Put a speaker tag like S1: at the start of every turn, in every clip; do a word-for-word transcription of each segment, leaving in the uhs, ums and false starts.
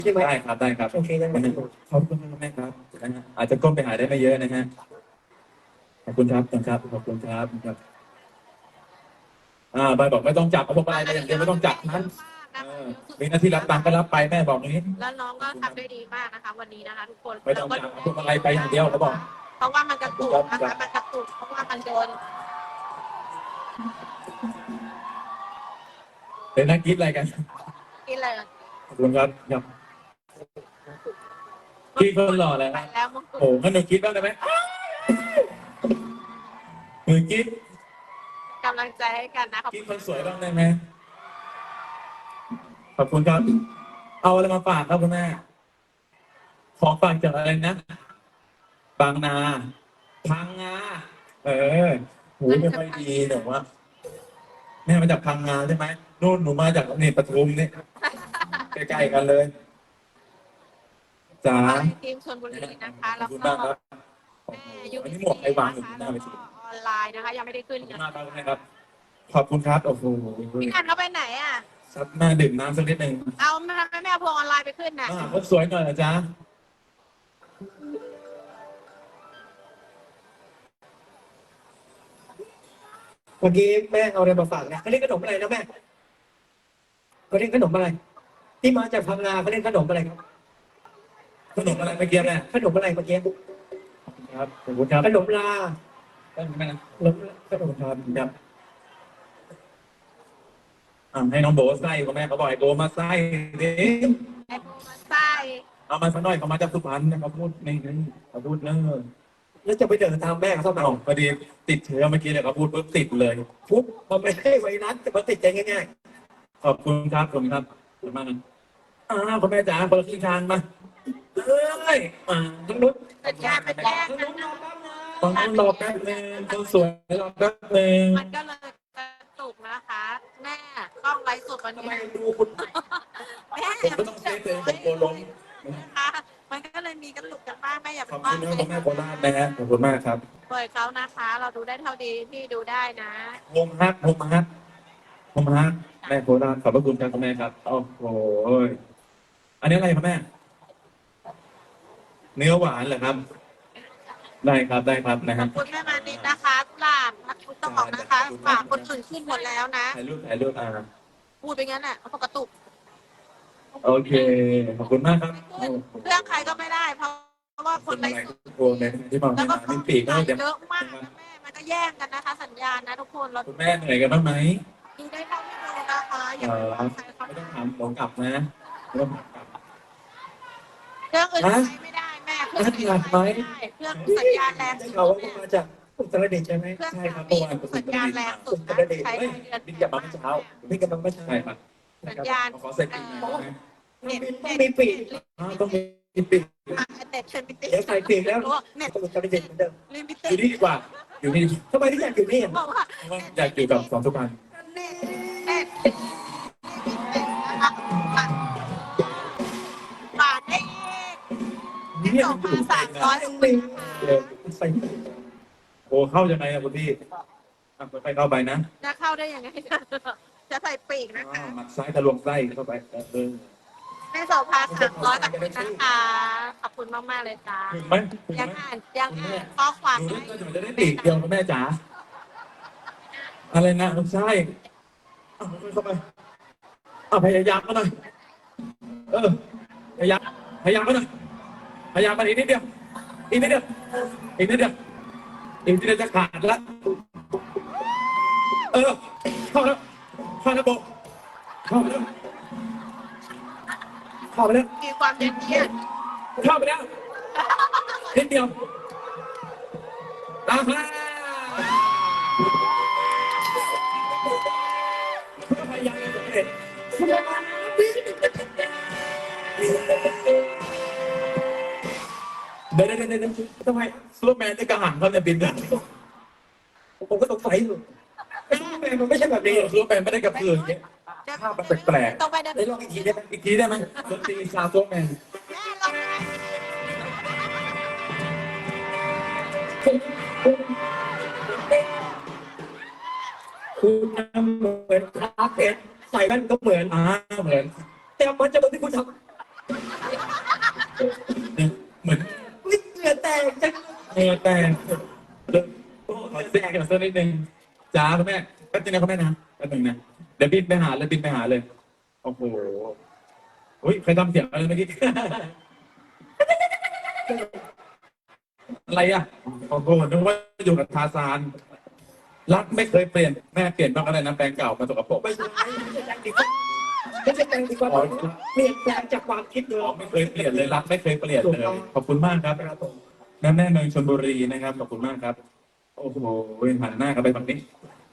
S1: ใช่ไหม
S2: ได้ครับได้ครับ
S1: โอเคยังไง
S2: ขอบคุณมากแม่ครับนะฮะอาจจะก้มไปหาได้ไม่เยอะนะฮะขอบคุณครับขอบคุณครับขอบคุณครับครับอ่าบายบอกไม่ต้องจับเอาพวงมาลัยไปอย่างเดียวไม่ต้องจับนั้นเออมีหน้าที่รับตังค์ก็รับไปแม่บอกนี้
S3: แล้วน้องก็ทำได้ดีมากนะคะวันนี้นะคะทุกคน
S2: ไม่ต้องจับเอาพวงมาลัยไปอย่างเดียวเขาบอก
S3: เพราะว่ามันกระตุกนะคะมันกระตุกเพราะว่ามันโดน
S2: เดี๋ยวนักกินอะไรกัน
S3: กินเลย
S2: ขอบคุณครับครับพี่คนหล่อแล้ว
S3: ไปแล้วมงกุฎ
S2: โอ้งั้นหนูคิดบ้างได้ไหมหนูคิด
S3: กำลังใจให้กันนะขอบ
S2: คิ
S3: คุ
S2: ด
S3: ณ
S2: คนสวยบ้างได้ไหมขอบคุณครับ เอาอะไรมาฝากครับคุณแม่ของฝากจากอะไรนะบางนาพังงาเออหูไม่ค่อยดีแต่ว่าแม่มาจากพังงาใช่ไหมนู่นหนูมาจากนี่ปทุมนี่ใกล้ๆกันเลยจ้า
S3: ทีมชลบุรีนะคะ
S2: ขอ
S3: แล้
S2: บ
S3: ว
S2: คุณ
S3: ก็
S2: มากครับ
S3: แม่ยู
S2: อัน
S3: บี
S2: นี้หม
S3: ซี
S2: วกไอ้วางอยู่
S3: นะคะ
S2: หน้า
S3: แล้ว
S2: เว
S3: ก็
S2: ที
S3: ออนไลน์นะคะ ยังไม่ได้ขึ้น
S2: ขอบคุ
S3: กั
S2: ณ
S3: น
S2: มากครับคุณแม่ครับ ขอบคุณครับโอ้โห
S3: พี่นันเขาไปไหนอ่ะ
S2: ซัดหน้าดื่มน้ำสักนิดหนึ่ง
S3: เอาทำไมไม่เอาพวงออนไลน์ไปขึ้นน่ะ
S2: อ่าคนสวยหน่อยนะจ๊ะ
S1: เมื่อกี้แม่เอาอะไรมาฝากนะเขาเรียกขนมอะไรนะแม่เขาเรียกขนมอะไร ที่มาจากพังงาเขาเรียกขนมอะไรครับ
S2: ขนมอะไรเมื่อกี้แม่
S1: ขนมอะไรเมื่อกี้
S2: ครับขอบคุณครับ
S1: ขนมลา
S2: ได้ไหมนะ
S1: ขนมขนม
S2: ครับครับอ่าให้น้องโบไส้ก็แม่เขาบอกไอ้โบมาไส้ดิ
S3: ไอ้พวกมันไส้
S2: เอามาสักหน่อยเขามาจากสุพรรณเขาพูดนี่นี่เขาพูดเนอะ
S1: แล้วจะไปเดินตามแม่เขาทำไม
S2: เอาพอดีติดเชื้อเมื่อกี้เนี่ยเขาพูดปุ๊บติดเลย
S1: ปุ๊บมันไม่ให้ไวรัสแต่มันติดใจง่าย
S2: ขอบคุณครับขอบคุณครับขอบคุณมากนะอ่าคุณแม่จ๋าคนละครึ่งทางมาเอ้ยอ่าทั้งนู้น
S3: เป็นแย่เป็นแย่กันนะ
S2: ฝั่งนู้นรอแป๊บนึงคนสวยรอแป๊บนึง
S3: มันก็เลยกระตุกนะคะ แม่กล้องไลฟ์สดวัน
S1: ๆทำ
S3: นี้
S1: ไมดูคุณ
S3: แม่
S2: ผมก็ต้องเซฟตัวเองผมกลัวล้ม
S3: นะคะมันก็เลยมีกระตุกกันบ้างแม่อย่า
S2: ข
S3: ไป
S2: อบ
S3: ว่า
S2: คุณนะคุณแม่โคราชนะฮะขอบคุณมากครับ
S3: ปล่อยเขานะคะ เราดูได้เท่าดีพี่ดูได้นะ
S2: โฮมฮักโฮมฮักโฮมฮักแม่โคราชขอบพระคุณครับคุณแม่ครับโอ้โหอันนี้อะไรครับแม่ เนื้อหวานเหรอครับ ได้ครับได้ครับนะ
S3: ข
S2: ฮะ
S3: อบคุณแม่มานิดนะคะกุหลาบรักคุณต้องบอกนะคะฝากคนอื่นขึ้นหมดแล้วนะ
S2: ถ่ายรูปถ่ายรูปอ่า
S3: พูดไปงั้นน่ะเขากระตุก
S2: โอเคขอบคุณมากครับ
S3: ขึ้นเรื่องใครก็ไม่ได้ เพราะว่าคนไลฟ์สด
S2: โอ้ในที่มา
S3: แล้ว
S2: ไม่
S3: ก็
S2: มาไม่ปีกก็เดี๋ยว
S3: เยอะมากนะแม่มันก็แย่งกันนะคะ สัญญาณนะทุกคนเรา
S2: คุณแม่เหนื่อยกันบ้างไหม
S3: ดูได้เท่าที่ดูนะคะอย่า
S2: เอ
S3: ไป
S2: อ
S3: ว่าใครเขา
S2: ไม่ต้องทำผมกลับนะไม่ต้องกลับ
S3: เรื่องอื่นใช้ไม่ได้แม่เครื่องอื่นใช้ไม่ได้เครื่องสัญญาณแรง
S1: ได้
S3: สุด
S1: ข่าวว่า
S3: แม่
S1: มาจากอุตรดิตถ์ใช่ไหม
S3: เครื่อง
S2: ใช่ครับ
S3: มี
S2: เมื่อวานผม
S3: สัญญาณแรงสุดนะใช้ได้เดือน
S2: บินกลับมาเมื่อเช้า
S1: พี่กำลังมาใช้
S2: ใช่ครับ
S3: สัญญาณ
S2: ขอเสร็จปีหน่อยนะ
S3: เน็ต
S1: ต้องมีปีก
S2: อ่าต้องมีปีก
S3: เน็ตเชนปิติ
S1: เดี๋ยวใส่ปีกแล้ว
S3: เน็ต
S1: อุตรดิตถ์เหมือนเดิม
S3: ลิมิ
S2: อ
S3: เต็
S2: ยู่นี่ดีกว่า อยู่นี่
S1: ทำไมถึงอยากอยู่นี่อ่ะ
S3: บอกว่า
S2: เพราะว่าอยากอยู่กับสองสุพรรณ
S3: เน็ตเน็ตนะคะบาทได้อีก
S2: เนี่ย
S3: สอ
S2: มั
S3: ง
S2: นอยู่
S3: พัน
S2: ใกล้
S3: สามร้อย
S2: นะ
S3: สิบ
S2: เออ
S1: ใส่
S2: โอ้เข้ายังไงอะคุณพี่อ่ะไปเข้าไปนะ
S3: จะเข้าได้ยังไงจะใส่ปีกนะคะ
S2: อ่าหมัดซ้ายทะลวงไส้เข้าไปเออ
S3: แม่โสภาสามร้อยขอบคุณนะคะ ขอบคุณมากมากๆเลยจ้า
S2: ถึงไหมถึง
S3: ยัง
S2: ไหม
S3: อ่านยังอ่านข้อความ
S2: หนู
S3: ให้
S2: น่าจะได้ปีกเดียวนะแม่จ๋าอะไรนะไม่ใช่เอาเข้าไปเอาพยายามก็หน่อยเออพยายามพยายามก็หน่อยพยายามมาอีกนิดเดียวอีกนิดเดียวอีกนิดเดียวอีกนิดเดียวจะขาดละเออเข้าแล้วเข้าแล้วโบเข้าไปแล้วเข้าไปแล้ว
S3: มีความเย็นเยียด
S2: เข้าไปแล้วนิดเดียวตามมาพยายามสำเร็จเดี๋ยวเดี๋ยวเดี๋ยวเดี๋ยวทำไมซูเปอร์แมนได้กระหังเขาเนี่ยบินได้
S1: ผมก็สงสัยอยู่ไอ้ซูเปอร์แมนมันไม่ใช่แบบนี้
S2: ซูเปอร์แมนไม่ได้กระพืออย่างเงี้ย ภาพมันแปลกๆ
S3: ต้องไปเดิน
S1: ได้ลองอีกทีได้ไหม
S2: อีกทีได้ไหมดนตรีซาวซูเปอร์แมน
S3: แม่ลองไป
S1: คุณทำเหมือนคาเพชรใส่แว่นก็เหมือน
S2: อ่าเหมือน
S1: แต่มันจะเหมือนที่คุณทำ
S2: เหมือน
S1: อุ๊ยเหงื่อแตกจัง
S2: เออแต่เริ่มขอเซ็กกันสักนิดนึงจ้าคุณแม่แป๊บนึงนะคุณแม่นะแป๊บนึงนะเดี๋ยวบินไปหาเลยบินไปหาเลยโอ้โหอุ้ยใครทำเสียงอะไรเมื่อกี้ อะไรอ่ะโอ้โหนึกว่าอยู่กับทาซานรักไม่เคยเปลี่ยนแม่เปลี่ยนบ้างก็ได้นะแปลงเก่ามาสกปรก
S1: ไม่ใช่ไม่ใช่แตงดีกว่าไม่ใช่แตงดีกว่าเปลี่ยนแปลงจากความคิดเดิ
S2: อ๋อ
S1: ม
S2: ไม่เคยเปลี่ยนเลยรักไม่เคยเปลี่ยนเลยขอบคุณมากครับ
S1: ครับผม
S2: แม่แม่เมืองชลบุรีนะครับขอบคุณมากครับ โอ้โหหันหน้ากันไปฝั่งนี้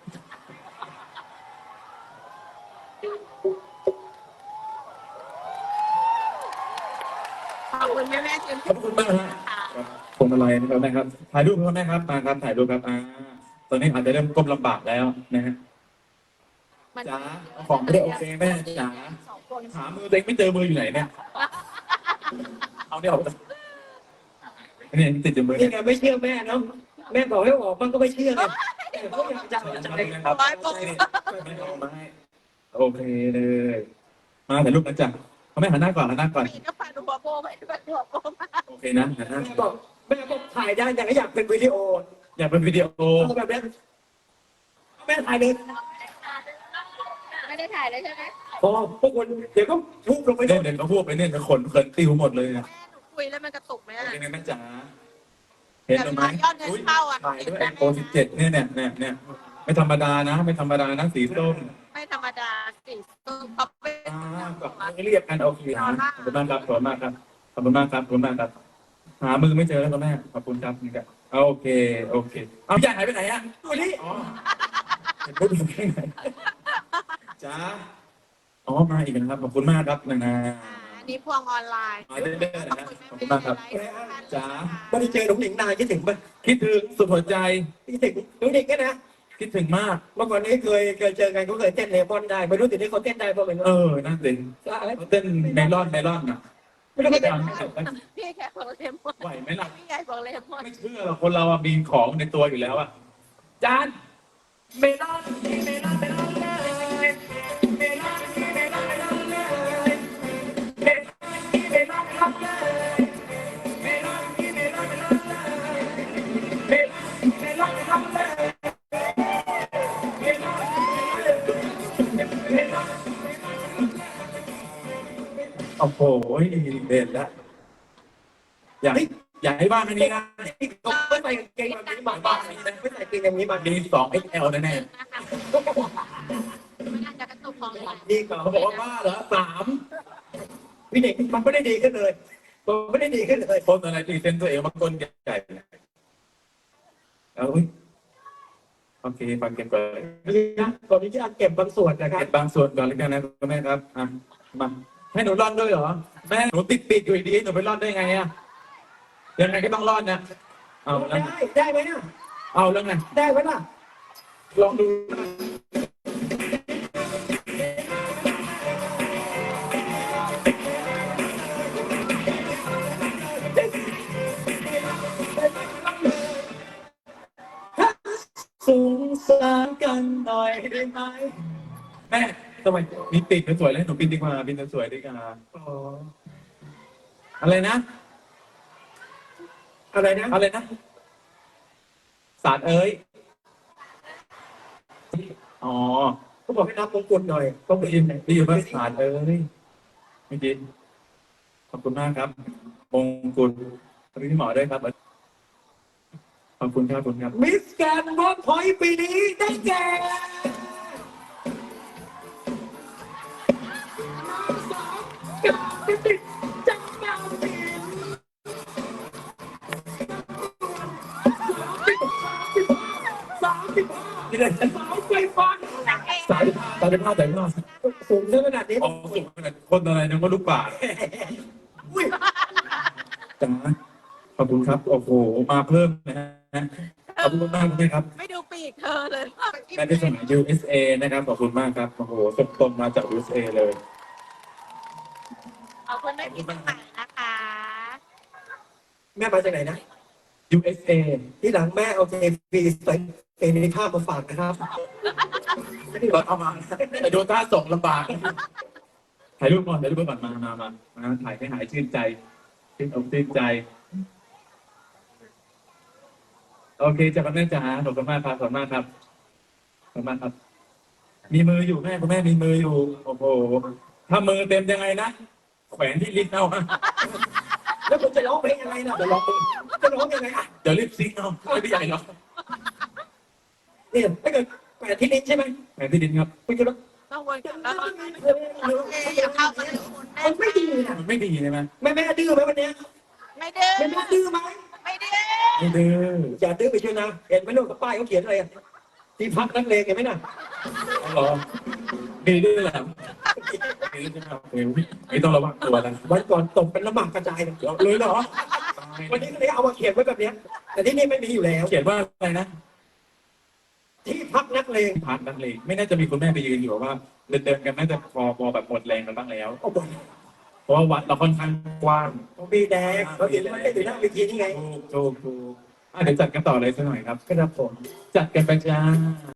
S3: ขอบคุณแม่แม่เชิญ
S2: ขอบคุณมากฮะพวงมาลัยนะครับแม่ครับถ่ายรูปครับแม่ครับมาครับถ่ายรูปครับอ่าตอนนี้อาจจะเริ่มก้มลำบากแล้วนะฮะ
S3: มัน
S2: จ๋าเอาของไม่ได้โอเคแม่จ๋า
S3: สองคน
S2: หามือตัวเองไม่เจอมืออยู่ไหนเนี่ยเอาเนี่ยออกนี่ติดอยู่มือ
S1: นี่
S2: เนี่ย
S1: ไงไม่เชื่อแม่เนาะแม่บอกให้ออกมันก็ไม่เชื่อไงแต่ก็อยากจะเอาใจ
S2: ครับไม่เอามาให้โอเคเลยมาถ่ายรูปกันจ้ะเอาแม่หันหน้าก่อนหันหน้าก่อน
S3: ปีก็พาดูหัวโบไปด้วยหัวโบมา
S2: โอเคนะหันหน้า
S1: แม่บอกแม่บอกถ่ายได้แต่ก็อยากเป็นวิดีโอ
S2: อยากเป็นวิดีโอ
S1: เอาแบบนี้แม่ถ่ายเลย
S3: ไม่ได้ถ่ายเลยใช่ไหม
S1: พอพวกคุณเดี๋ยวก็ทุบลงไป
S2: เล่นเด่นเขาพูดไปเนี่ยจะขนเขินติวหมดเลยนะ
S3: แม่หนูคุยแล้วมันกระตุกไหมอ่ะ
S2: เป็นไงแม่จ๋าเห็นไหม
S3: ยอดเงินเข้าอ่ะ
S2: ถ่ายด้วยไอโฟนสิบเจ็ดเนี่ยเนี่ยเนี่ยเนี่ยไม่ธรรมดานะ ไม่ธรรมดานะสีส้ม
S3: ไม่ธรรมดาสิตุ้มเขาเป็น
S2: อ่าแบบเรียกกันโอเคนะขอบคุณมากครับขอบคุณมากครับขอบคุณมากครับขอบคุณมากครับ หามือไม่เจอแล้วครับแม่ขอบคุณครับนี่ครับโอเคโอเคเอาพี่ใหญ่หายไปไหนอ่ะ
S1: ดูนี่
S2: อ๋อเห็นรูปอยู่ที่ไหนจ้าอ๋อมาอีกนะครับขอบคุณมากครับนะนะ
S3: อันนี้พวงออนไลน์
S2: มาเรื่อยๆนะครับขอบคุณมากครับจ้า
S1: ไม่ได้เจอหนุ่มหนิงนานคิดถึงปะ
S2: คิดถึงสุดหัวใจ
S1: คิดถึงหนุ่มหนิงก็นะ
S2: คิดถึงมาก
S1: เมื่อก่อนนี้เคยเคยเจอกันเขาเคยเต้นเลมอนได้ไม่รู้ติดนี้เขาเต้นได้เพราะเป็น
S2: เออนั่นสิ
S1: อะไร
S2: เต้นเมลอนเมลอนอ่ะ
S1: ไม่รู้เขาเต้น
S3: พี่แค่บอกเลมอน
S2: ไหวไหมล่ะ
S3: พี่ใหญ่บอกเลมอน
S2: ไม่เชื่อหรอกคนเราอะมีของในตัวอยู่แล้วอะจานเมลอนเมลอนเมลอนเลยเมลอนเมลอนเมลอนเลยเมลอนเมลอนเมลอนเลยเมลอนเมลอนเมลอนเลยเมลอนเมลอนเมลอนเลยเมลอนเมลอนโอ้โหเด่นแล้วอยากให้อยากให้บ้านอันนี้นะ
S1: เขาไม่ใส่กางเกงแบบนี้มาบ้านนี้นะไม่ใส่กางเกงอย่างนี้มา
S2: มีสอง เอ็กซ์ แอล แน่
S3: ไม่น่าจะกระตุกของเลย
S1: ดีกว่า
S2: ๆเขาบอกว่าบ้าเหรอสาม
S1: พี่เด็กมันไม่ได้ดีขึ้นเลยมันไม่ได้ดีขึ้นเลย
S2: คนอะไรตีเส้นตัวเองมาก้นใหญ่ๆเอาอุ้ยโอเคฟังเก็บก่อน
S1: นี่นะตอนนี้จะเก็บบางส่วนนะครั
S2: เก็
S1: บ
S2: บบางส่วนก่อนแล้วกันนะคุณแม่ครับอ่ะมาให้หนูร่อนด้วยเหรอแม่หนูติดปีกอยู่ดีหนูไปร่อนได้ไงอะยังไงก็ต้องร่อนนะเอาแล้ว
S1: ได้ได้ไหมนะ
S2: เอาแล้วไง
S1: ได้ไหมล่ะ
S2: ลองดูสงสารกันหน่อยได้ไหมแม่ทำไมมีปีกสวยๆเลยหนูบินดีกว่าบินสวยๆดีกว่า
S1: อ๋อ
S2: อะไรนะ
S1: อะไรนะ
S2: อะไรนะ สารเอ้ย อ๋อ
S1: เขาบอกให้นับมงกุฎหน่อยต้องไป
S2: ได้
S1: ยิ
S2: ยิ
S1: น
S2: น
S1: ไหน
S2: ได้ยินว่าสารเอ้ยเมื่อกี้ขอบคุณมากครับมงกุฎขอบคุณพี่หมอด้วยครับ ขอบคุณครับขอบคุณครับ
S1: มิสแกรนด์เวิร์กพอยต์ปีนี้ได้แก่จังมาสิสามสิบห้า
S2: นี่เลย
S1: สาวไฟฟ้า
S2: สารสารภาพแต่ว่า
S1: สูงขนาดนี้
S2: อ๋อสุดขนาดคนอะไรนึกว่าลูกป่า
S1: อุ้ย
S2: จ้าขอบคุณครับ โอ้โห มาเพิ่มนะฮะขอบคุณมากเลยครับ
S3: ไม่ดูปีกเธอเลย
S2: แม่ที่สมัย ยู เอส เอ นะครับ ขอบคุณมากครับ โอ้โหสมตรงมาจาก ยู เอส เอ เลย
S3: ขอบคุณแม่พี่สมัยนะคะ
S1: แม่มาจากไหนนะ
S2: ยู เอส เอ
S1: ที่หลังแม่เอาเจฟีใส่เอในภาพมาฝากนะครับ
S2: เราเอามาแต่ดูท่าส่งลำบาก ถ่ายรูปก่อนถ่ายรูปก่อนมามามามาถ่ายให้หายชื่นใจชื่นอกชื่นใจ โอเคจ้ะคุณแม่จ๋าขอบคุณมากครับขอบคุณมากครับขอบคุณมากครับ มีมืออยู่แม่คุณแม่มีมืออยู่ โอ้โห ถ้ามือเต็มยังไงนะ แขวนที่ลิ้นเอาฮะ
S1: แล้วคุณจะร้องเพลงยังไงนะจะร้องจะร้องยังไงอ่ะ
S2: เดี๋ยวรีบซิงเอาไม่ได้ใหญ่หรอก
S1: เนี่ยถ้าเกิดแปดที่ลิ้นใช่ไหม
S2: แขวนที่ลิ้นครับ
S1: คุณจะร้อง
S3: ต้องวนกันแล้ว
S1: เออเออ
S3: เอ๊ะอย่าเข้ามาถึงคุณแม่
S1: มันไม่ดีนะ
S2: มันไม่ดีใช่ไหม
S1: แม่แม่ดื้อไหมวันเนี้ย
S3: ไม่ดื้อ
S1: แม่แม่ดื้อไหม
S3: ไม่ดื้อ
S2: ไม่ดื้อ
S1: อย่าดื้อไปเชียวนะเห็นไหมลูกกับป้ายเขาเขียนอะไรอ่ะที่พักนักเลงเห็นไหมน่ะ
S2: เอาเหรอมีดื้อเหรอมีดื้อใช่ไหมครับเฮ้ยไม่ต้องระวังตัวนะ
S1: วันก่อนตกเป็นน้ำหมากกระจายเลย
S2: เลยเหรอ
S1: วันนี้ก็เลยเอามาเขียนไว้แบบเนี้ยแต่ที่นี่ไม่มีอยู่แล้ว
S2: เขียนว่าอะไรนะ
S1: ที่พักนักเลง
S2: พักนักเลงไม่น่าจะมีคุณแม่ไปยืนอยู่ว่าเดินเดินๆกันน่าจะพอพอแบบหมดแรงกันบ้างแล้ว
S1: โอ้โห
S2: เพราะว่าวัดเราค่อนข้างกว้าง
S1: มีแดงเขาเห็นมันได้อยู่หน้าเวทีนี่ไง
S2: ถูกถูกถูกอ่ะเดี๋ยวจัดกันต่อเลยสักหน่อยครับ
S1: ครับผม
S2: จัดกันไปจ้า